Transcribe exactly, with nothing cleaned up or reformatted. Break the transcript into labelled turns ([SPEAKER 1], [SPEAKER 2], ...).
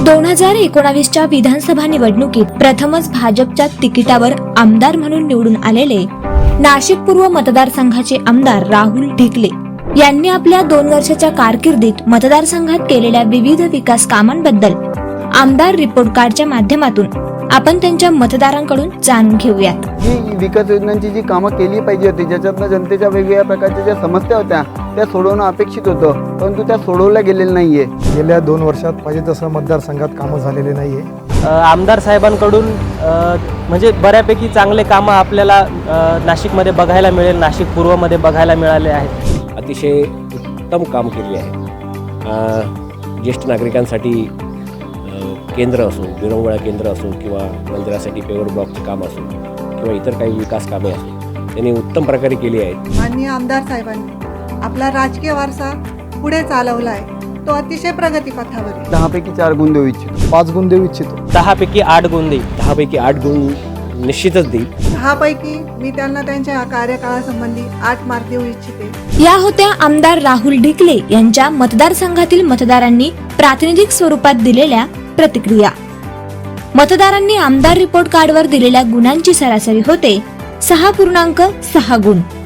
[SPEAKER 1] दोन हजार एकोणावीसच्या विधानसभा निवडणुकीत प्रथमच भाजपच्या तिकिटावर आमदार म्हणून निवडून आलेले नाशिक पूर्व मतदारसंघाचे आमदार राहुल ढिकले यांनी आपल्या दोन वर्षाच्या कारकिर्दीत मतदारसंघात केलेल्या विविध विकास कामांबद्दल आमदार रिपोर्ट कार्डच्या माध्यमातून आपण त्यांच्या मतदारांकडून जाणून घेऊयात।
[SPEAKER 2] ही विकास योजनांची जी कामं केली पाहिजे होती, ज्याच्यातनं जनतेच्या वेगवेगळ्या प्रकारच्या ज्या समस्या होत्या त्या सोडवणं अपेक्षित होतं, परंतु त्या सोडवल्या गेलेल्या नाहीये।
[SPEAKER 3] गेल्या दोन वर्षात पाहिजे तसं मतदारसंघात कामं झालेले नाहीये।
[SPEAKER 4] आमदार साहेबांकडून म्हणजे बऱ्यापैकी चांगले कामं आपल्याला नाशिकमध्ये बघायला मिळेल, नाशिक पूर्वमध्ये बघायला मिळाले आहेत।
[SPEAKER 5] अतिशय उत्तम काम केले आहे। ज्येष्ठ नागरिकांसाठी केंद्र असो, विरंगुळा केंद्र असो किंवा मंदिरासाठी पेवर ब्लॉकचे काम असो किंवा इतर काही विकास कामे असो, त्यांनी उत्तम प्रकारे केली आहेत।
[SPEAKER 6] माननीय आमदार साहेबांनी आपला राजकीय वारसा पुढे चालवला आहे, तो अतिशय प्रगतीपथावर आहे।
[SPEAKER 2] दहापैकी चार गुण देऊ इच्छितो,
[SPEAKER 3] पाच गुण देऊ इच्छितो,
[SPEAKER 4] दहापैकी आठ गुण देईल,
[SPEAKER 5] दहापैकी आठ गुण निश्चितच देईल।
[SPEAKER 6] दहापैकी मी त्यांना त्यांच्या कार्यकाळासंबंधी आठ मार्क देऊ इच्छिते।
[SPEAKER 1] या होत्या आमदार राहुल ढिकले यांच्या मतदारसंघातील मतदारांनी प्रातिनिधिक स्वरूपात दिलेल्या प्रतिक्रिया। मतदारांनी आमदार रिपोर्ट कार्डवर दिलेल्या गुणांची सरासरी होते सहा पूर्णांक सहा गुण।